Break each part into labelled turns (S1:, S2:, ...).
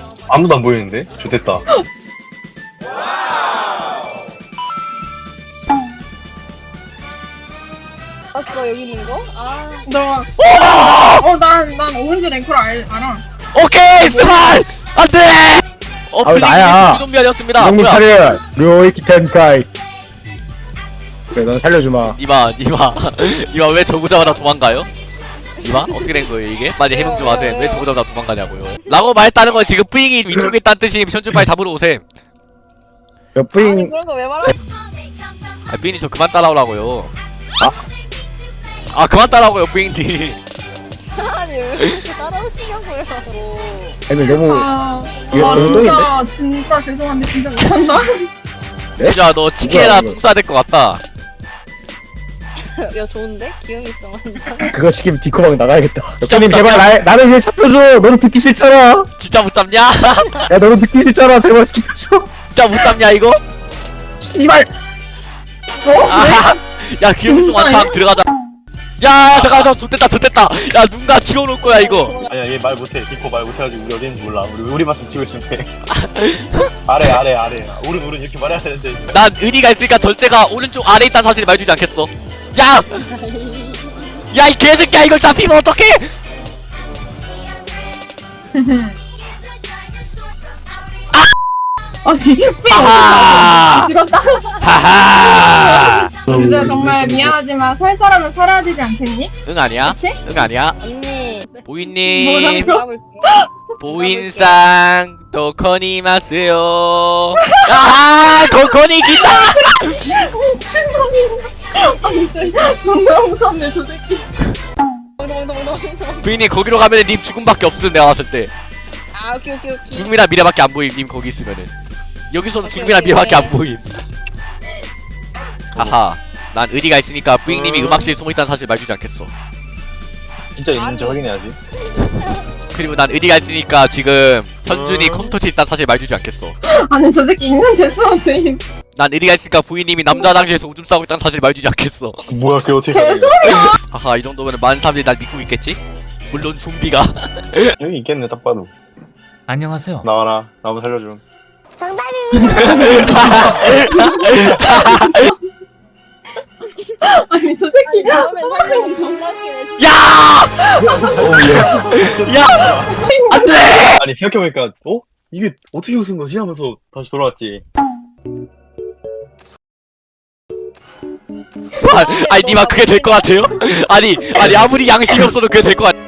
S1: 아무도 안 보이는데? 좋됐다.
S2: 봤어 여기 있는 거? 아
S3: 난 오은지 랭커를 알아.
S4: 오케이 스마일 안돼.
S5: 나야.
S4: 좀비아니었습니다.
S5: 형님
S4: 뭐야?
S5: 차려. 료이키 텐카이. 그래 넌 살려주마.
S4: 니마 왜 저구자마자 도망가요? 니마 어떻게 된 거예요 이게? 빨리 해명 좀 하세요. 왜 저구자마자 도망가냐고요? 라고 말했다는 건 지금 뿌잉이 위쪽에 있다는 뜻이 현준 빨리 잡으러 오셈.
S5: 몇
S2: 아니
S5: 뿌잉.
S2: 그런 거 왜 말하?
S4: 아 뿌잉이 저 그만 따라오라고요. 아 그만 따라오고요 뿌잉님.
S2: 아니 왜 이렇게 따라오시냐고요.
S5: 애들 너무. 이거
S3: 와
S5: 운동인데?
S3: 진짜 죄송한데 진짜 못한다.
S4: 야 너 치킨에다
S5: 뭐야,
S4: 똥 싸야 될 것 같다.
S2: 야 좋은데? 기운 있어 완전.
S5: 그거 시키면 디코방 나가야겠다.
S4: 진짜
S5: 형님 제발 나를 위해 잡혀줘. 너는 듣기 싫잖아.
S4: 진짜 못 잡냐?
S5: 야 너는 듣기 싫잖아. 제발 시켜줘.
S4: 진짜 못 잡냐 이거?
S5: 이발.
S4: 아, 야 기억성 완탕 들어가자. 야 잠깐만 좋됐다. 야 누군가 지워놓을 거야 이거.
S1: 아니야, 얘 말 못해. 디코 말 못해가지고 우리 어디 있는지 몰라. 우리 말씀 치고 있으면 돼. 아래. 오른 이렇게 말해야 되는데.
S4: 난 의리가 있으니까 절제가 오른쪽 아래에 있다는 사실을 말해주지 않겠어. 야! 야 이 개새끼야 이걸 잡히면 어떡해!
S3: 아니
S4: 아하!
S3: 죽었다.
S4: 하하!
S3: 이제 정말 미안하지만 살 사람은 살아야 되지 않겠니?
S4: 응 아니야?
S3: 그치?
S4: 응 아니야?
S2: 언니
S4: 보이님
S3: 뭐라고?
S4: 보인상 도코니마스요. 아하! 도코니 기타!
S3: 미친놈이. 너무 무섭네 저 새끼.
S4: 보이님 거기로 가면은 님 죽음밖에 없음 내가 봤을 때.
S2: 아 오케이.
S4: 죽음이랑 미래밖에 안 보임 님 거기 있으면은. 여기서도 죽음이랑
S2: 오케이.
S4: 미래밖에 안 보임. 아하. 난 의리가 있으니까 뿌잉님이 음악실에 숨어있다는 사실 말해주지 않겠어.
S1: 진짜 있는지 확인해야지.
S4: 그리고 난 의리가 있으니까 지금 현준이 컴퓨터에 있다는 사실 말해주지 않겠어.
S3: 아니 저 새끼 있는데 수업이.
S4: 난 의리가 있으니까 부인님이 남자 당시에서 오줌 싸고 있다는 사실 말해주지 않겠어.
S1: 뭐야, 그게 어떻게 가능해.
S3: 개소리야.
S4: 하하 이 정도면 많은 사람들이 날 믿고 있겠지? 물론 좀비가.
S1: 여기 있겠네, 딱 봐도.
S6: 안녕하세요.
S1: 나와라. 나 한번 살려줘.
S3: 아니 저 새끼.
S2: 다음엔 살려면 겁나기네 진짜.
S4: 야! 야! 안돼!
S1: 아니, 생각해보니까, 이게 어떻게 웃은 거지? 하면서 다시 돌아왔지.
S4: 아니 니마 그게 될 것 같아요? 아니 아무리 양심이 없어도 그게 될 것 같.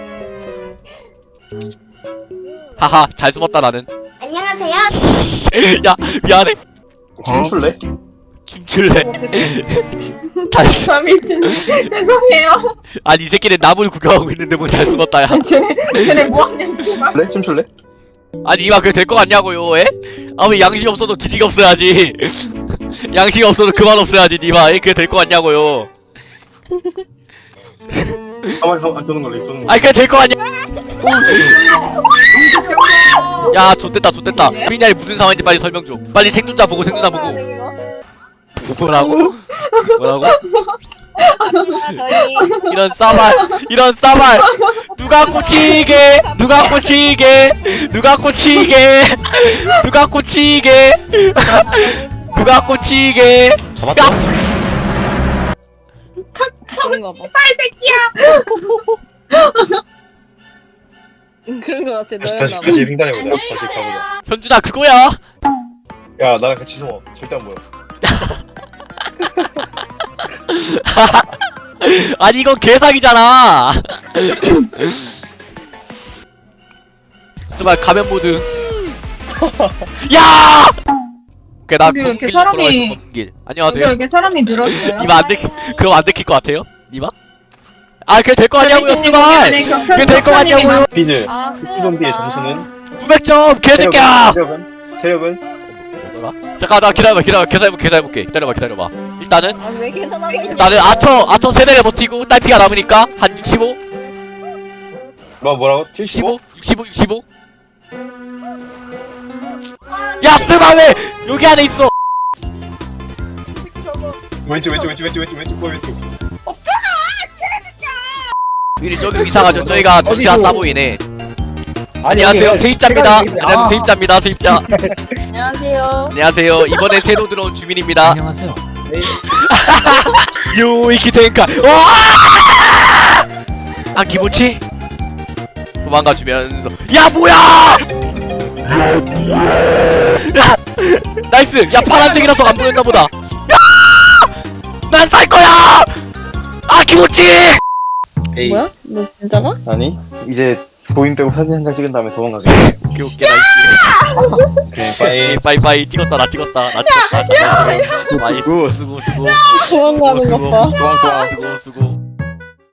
S4: 하하 잘 숨었다 나는.
S2: 안녕하세요.
S4: 야 미안해.
S1: 춤출래?
S4: 춤출래. 다시.
S3: 아 미친. 죄송해요.
S4: 아니 이 새끼는 나무를 구경하고 있는데 뭐 잘 숨었다 야.
S3: 쟤네 뭐하냐 씨발.
S1: 그래? 춤출래?
S4: 아니 이마 그게 될 것 같냐고요 에? 아무 양심 없어도 기지가 없어야지. 양심 없어도 그만 없어야지 니마 에? 그게 될 것 같냐고요.
S1: 가만히 도는 걸래, 도는 걸래.
S4: 아니 그게 될 것 같냐. 야 좆됐다 피냐리 무슨 상황인지 빨리 설명 좀. 빨리 생존자 보고 뭐라고?
S2: 저희
S4: 이런 싸발 누가 꽂히게
S1: 잡았다.
S2: 그런가 봐. 그런 거 같아.
S1: 다시
S2: 너였나 봐.
S1: 횡단해보자. 다시 가보자.
S4: 현준아 그거야.
S1: 야, 나랑 같이 숨어. 절대 안 보여.
S4: 아니 이건 개사기잖아. 스발 가면 모드. 야! 오케이 나
S3: 여기 이렇게
S4: 길 돌아가
S3: 사람이-
S4: 있어 길.
S3: 여기
S4: 안녕하세요.
S3: 이렇게 사람이 늘었어요.
S4: 니마 안 들키 그럼 안 들킬 것 같아요? 니마? 아 그게 될 거 같냐고요 스발. 그게 될 거 같냐고요.
S1: 비즈.
S2: 아
S1: 후좀비의 점수는?
S4: 900점 개새끼야.
S1: 체력은?
S4: 뭐더라? 잠깐 기다려볼게. 기다려봐. 일단은
S2: 아왜 계산하고 있냐?
S4: 나는 아처 세대를 버티고 딸피가 남으니까 한 65?
S1: 뭐라고? 75?
S4: 65? 야 스마 왜 여기 안에 있어?
S1: 왼쪽, 왼쪽.
S4: 미리 저기 이상하죠. 저희가 전투가 싸 보이네. 안녕하세요 세입자입니다. 안녕하세요 세입자입니다. 세입자.
S2: 안녕하세요.
S4: 안녕하세요. 이번에 새로 들어온 주민입니다.
S6: 안녕하세요.
S4: 요이키 텐카. 아 기모치? 도망가 주면서 야 뭐야! 야 나이스. 야 파란색이라서 안 보였나 보다. 야! 난 살 거야! 아 기모치!
S1: 에이.
S2: 뭐야? 너 진짜가?
S1: 아니 이제 보임 빼고 사진 한 장 찍은 다음에 도망가자.
S4: 오케이 오케이 나이스.
S1: 오케이 빠이.
S4: 빠이빠이 찍었다 나 찍었다 나 찍었다. 빠이 수고 수고 수고.
S2: 도망가는 것 봐.
S1: 좋아.
S4: 수고 수고.